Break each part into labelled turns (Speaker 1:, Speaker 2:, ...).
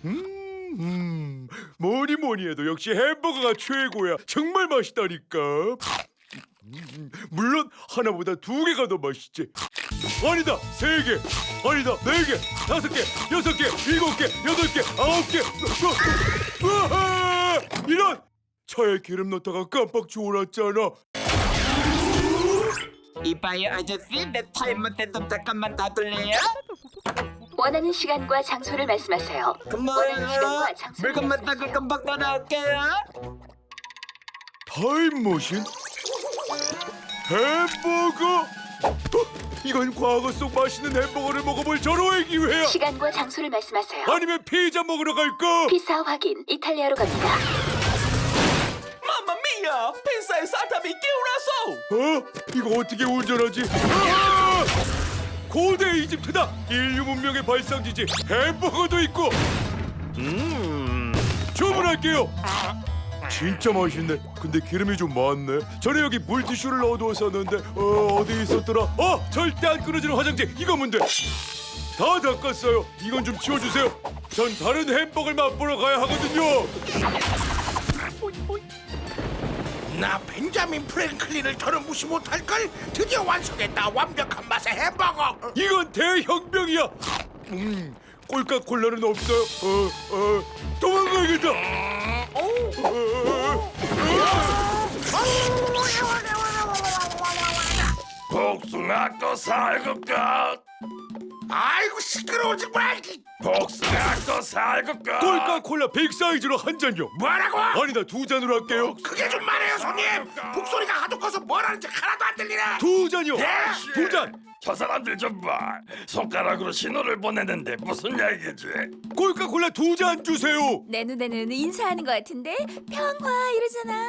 Speaker 1: 뭐니 뭐니 해도 역시 햄버거가 최고야. 정말 맛있다니까. 물론 하나보다 두 개가 더 맛있지. 아니다, 세 개. 아니다, 네 개, 다섯 개, 여섯 개, 일곱 개, 여덟 개, 아홉 개. 으아! 이런! 차에 기름 넣다가 깜빡 졸았잖아.
Speaker 2: 이봐요 아저씨, 내 타임머신 좀 잠깐만 놔둘래요?
Speaker 3: 원하는 시간과 장소를 말씀하세요. 원하는 시간과
Speaker 2: 고마워요.
Speaker 3: 장소를
Speaker 2: 물건만 따고
Speaker 3: 말씀하세요.
Speaker 2: 금방 따라올게요.
Speaker 1: 타임머신? 햄버거? 이건 과거 속 맛있는 햄버거를 먹어볼 절호의 기회야.
Speaker 3: 시간과 장소를 말씀하세요.
Speaker 1: 아니면 피자 먹으러 갈까?
Speaker 3: 피사 확인. 이탈리아로 갑니다.
Speaker 4: 마마미야! 펜사의 사탑이 깨어났어!
Speaker 1: 이거 어떻게 운전하지? 아! 고대 이집트다. 인류 문명의 발상지지. 햄버거도 있고. 주문할게요. 진짜 맛있네. 근데 기름이 좀 많네. 전에 여기 물티슈를 넣어두었었는데 어디 있었더라? 절대 안 끊어지는 화장지. 이거면 돼. 다 닦았어요. 이건 좀 치워주세요. 전 다른 햄버거를 맛보러 가야 하거든요.
Speaker 5: 나 벤자민 프랭클린을 더는 무시 못할걸. 드디어 완성했다. 완벽한 맛의 햄버거.
Speaker 1: 이건 대혁명이야. 콜카콜라는 없어요. 도망가야겠다.
Speaker 6: 복숭아꽃 살구꽃
Speaker 5: 아이고 시끄러워 정말.
Speaker 6: 복숭아꽃 살구꽃
Speaker 1: 콜카콜라 빅 사이즈로 한 잔요.
Speaker 5: 뭐라고?
Speaker 1: 아니다, 두 잔으로 할게요.
Speaker 5: 크게 좀 말해요 손님. 북소리가 하도 커서 뭐라는지 하나도 안 들리네.
Speaker 1: 두 잔요. 두 잔.
Speaker 6: 저 사람들 좀 봐. 손가락으로 신호를 보내는데 무슨 얘기지?
Speaker 1: 콜카콜라 두 잔 주세요.
Speaker 7: 내 눈에는 인사하는 것 같은데 평화 이러잖아.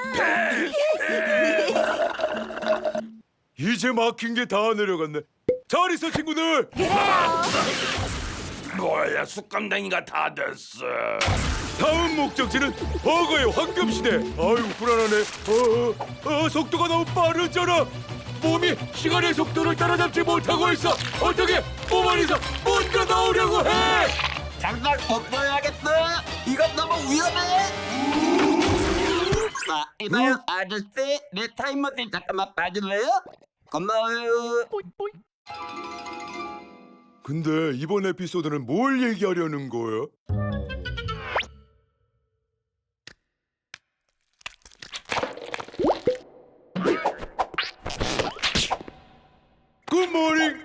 Speaker 1: 이제 막힌 게 다 내려갔네. 잘 있어 친구들.
Speaker 7: 그래요.
Speaker 6: 뭐야, 숯감댕이가 다 됐어.
Speaker 1: 다음 목적지는 버거의 황금시대. 아유 불안하네. 속도가 너무 빠르잖아. 몸이 시간의 속도를 따라잡지 못하고 있어. 어떻게 몸 안에서 뭔가 나오려고 해.
Speaker 2: 잠깐 덮어야겠어. 이건 너무 위험해. 자, 이봐요 아저씨, 내 타임머신 잠깐만 봐줄래요? 고마워요.
Speaker 1: 근데 이번 에피소드는 뭘 얘기하려는 거야? 굿모닝.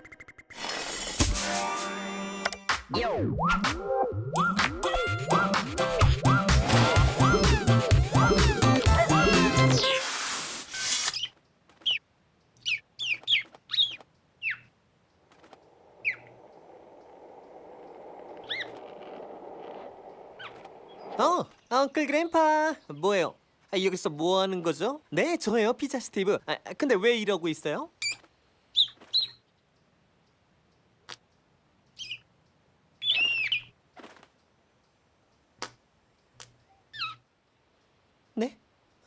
Speaker 4: 엉클 그랜파 뭐예요? 여기서 뭐 하는 거죠? 네, 저예요, 피자 스티브. 근데 왜 이러고 있어요? 네?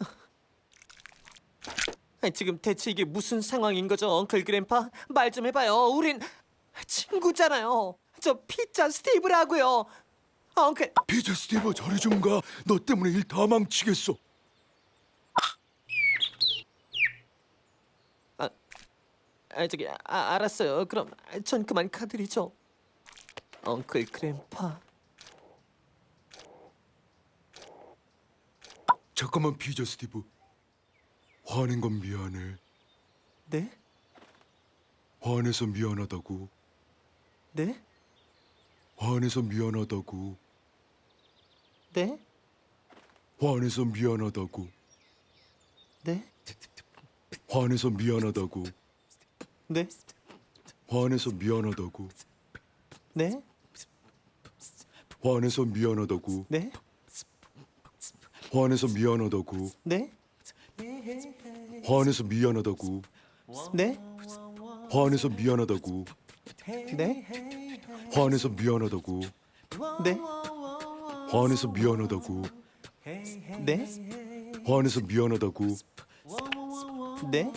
Speaker 4: 지금 대체 이게 무슨 상황인 거죠, 엉클 그랜파? 말 좀 해봐요. 우린 친구잖아요. 저 피자 스티브라고요. 엉클.
Speaker 1: 피자 스티브 저리 좀 가. 너 때문에 일 다 망치겠어.
Speaker 4: 알았어요. 그럼 전 그만 가드리죠. 엉클 그랜파.
Speaker 1: 잠깐만 피자 스티브. 화낸 건 미안해.
Speaker 4: 네?
Speaker 1: 화내서 미안하다고.
Speaker 4: 네?
Speaker 1: 화내서 미안하다고.
Speaker 4: 네?
Speaker 1: 화내서 미안하다고.
Speaker 4: 네?
Speaker 1: 화내서 미안하다고.
Speaker 4: 네?
Speaker 1: 화내서 미안하다고.
Speaker 4: 네?
Speaker 1: 화내서 미안하다고.
Speaker 4: 네?
Speaker 1: 화내서 미안하다고.
Speaker 4: 네?
Speaker 1: 화내서 미안하다고.
Speaker 4: 네?
Speaker 1: 화내서 미안하다고.
Speaker 4: 네?
Speaker 1: 화내서 미안하다고.
Speaker 4: 네?
Speaker 1: 화내서 미안하다고.
Speaker 4: 네?
Speaker 1: 화내서 미안하다고.
Speaker 4: 네?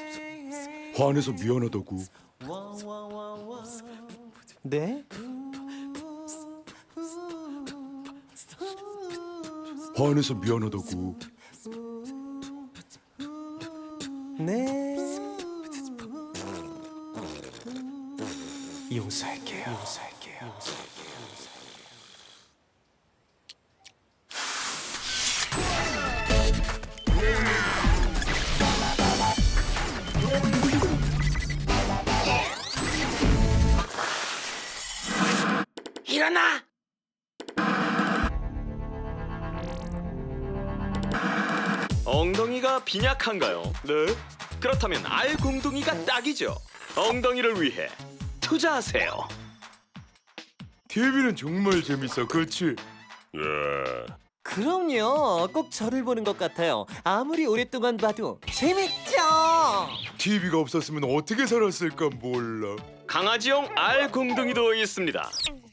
Speaker 1: 화내서 미안하다고.
Speaker 4: 네?
Speaker 1: 화내서 미안하다고.
Speaker 4: 네. 용서할게요.
Speaker 5: 일어나.
Speaker 8: 엉덩이가 빈약한가요? 네. 그렇다면 알공둥이가 딱이죠. 엉덩이를 위해 투자하세요.
Speaker 1: TV는 정말 재밌어, 그렇지?
Speaker 4: 그럼요. 꼭 저를 보는 것 같아요. 아무리 오랫동안 봐도 재밌죠.
Speaker 1: TV가 없었으면 어떻게 살았을까 몰라.
Speaker 8: 강아지용 알공둥이도 있습니다.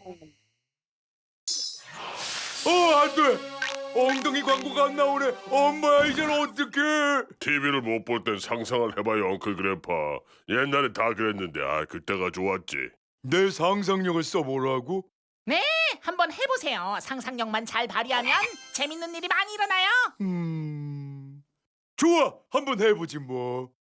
Speaker 1: 안 돼! 엉덩이 광고가 안 나오네. 엄마야, 이젠 어떡해?
Speaker 9: TV를 못 볼 땐 상상을 해봐요, 엉클 그래파. 옛날에 다 그랬는데, 그때가 좋았지.
Speaker 1: 내 상상력을 써보라고?
Speaker 10: 네, 한번 해보세요. 상상력만 잘 발휘하면 재밌는 일이 많이 일어나요.
Speaker 1: 좋아, 한번 해보지 뭐.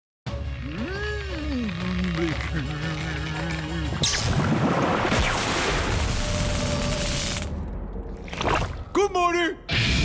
Speaker 1: 굿모닝!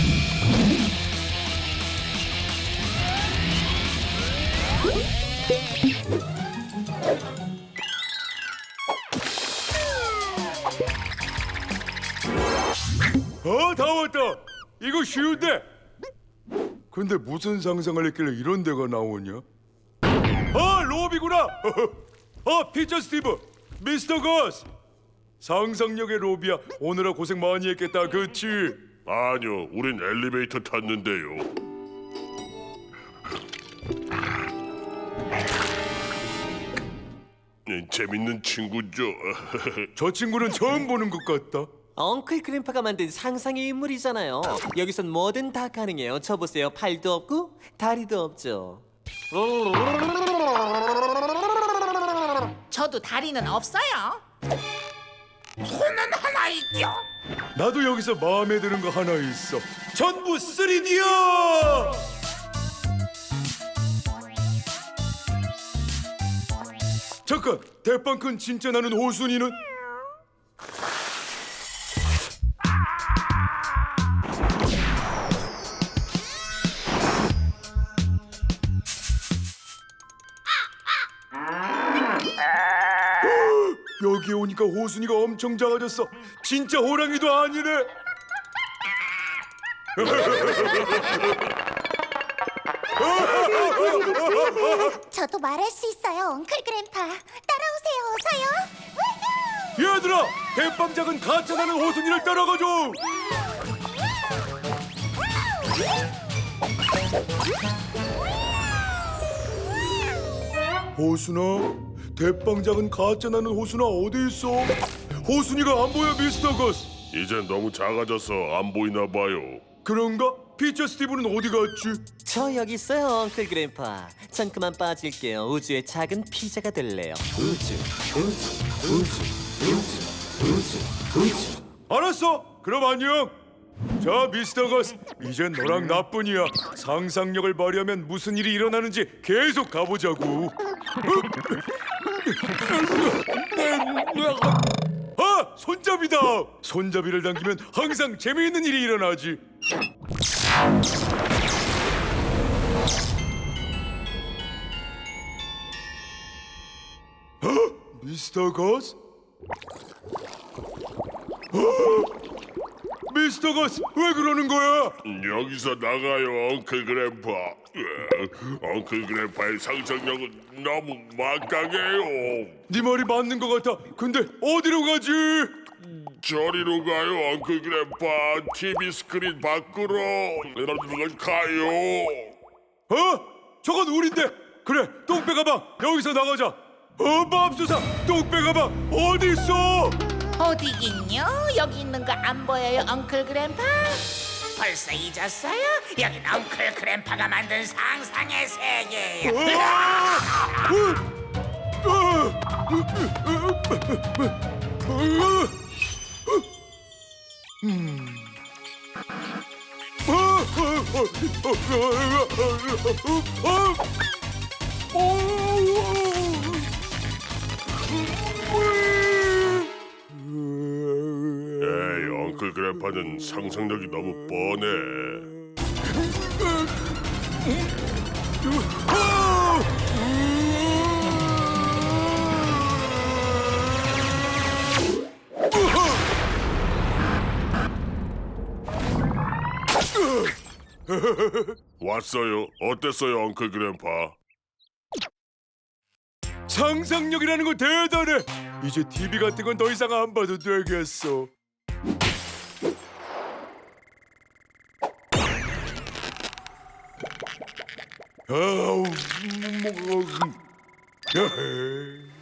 Speaker 1: 다 왔다. 이거 쉬운데. 근데 무슨 상상을 했길래 이런 데가 나오냐? 로비구나. 피처 스티브, 미스터 거스. 상상력의 로비야. 오늘아 고생 많이 했겠다, 그치?
Speaker 9: 아니요, 우린 엘리베이터 탔는데요. 재밌는 친구죠.
Speaker 1: 저 친구는 처음 보는 것 같다.
Speaker 4: 엉클 그램파가 만든 상상의 인물이잖아요. 여기선 뭐든 다 가능해요. 저 보세요. 팔도 없고 다리도 없죠.
Speaker 10: 저도 다리는 없어요.
Speaker 5: 손은 하나 있죠.
Speaker 1: 나도 여기서 마음에 드는 거 하나 있어. 전부 3D야! 잠깐, 대빵 큰 진짜 나는 호순이는? 여기 오니까 호순이가 엄청 작아졌어. 진짜 호랑이도 아니네.
Speaker 7: 저도 말할 수 있어요, 엉클 그램파. 따라오세요, 어서요.
Speaker 1: 얘들아, 대빵 작은 가짜 나는 호순이를 따라가줘. 호순아, 대빵 작은 가짜 나는 호순아 어디 있어? 호순이가 안 보여, 미스터 거스.
Speaker 9: 이젠 너무 작아져서 안 보이나 봐요.
Speaker 1: 그런가? 피처 스티브는 어디 갔지?
Speaker 4: 저 여기 있어요, 엉클 그램파. 전 그만 빠질게요. 우주의 작은 피자가 될래요.
Speaker 1: 알았어. 그럼 안녕. 자, 미스터 거스, 이젠 너랑 나뿐이야. 상상력을 발휘하면 무슨 일이 일어나는지 계속 가보자고. 손잡이다. 손잡이를 당기면 항상 재미있는 일이 일어나지. 미스터 거스? 미스터 거스, 왜 그러는 거야?
Speaker 9: 여기서 나가요, 엉클 그래파. 엉클 그래파의 상상력은 너무 막강해요.
Speaker 1: 네 말이 맞는 것 같아. 근데 어디로 가지?
Speaker 9: 저리로 가요, 엉클 그래파. TV 스크린 밖으로 가요.
Speaker 1: 저건 우린데. 그래, 똥배 가방 여기서 나가자. 맙소사, 똥배 가방 어디 있어?
Speaker 10: 어디긴요? 여기 있는 거 안 보여요, 엉클 그램파?
Speaker 5: 벌써 잊었어요? 여긴 엉클 그램파가 만든 상상의 세계예요.
Speaker 9: 에이, 엉클 그래파는 상상력이 너무 뻔해. 왔어요. 어땠어요, 엉클 그래파?
Speaker 1: 상상력이라는 거 대단해. 이제 TV 같은 건 더 이상 안 봐도 되겠어. 아우,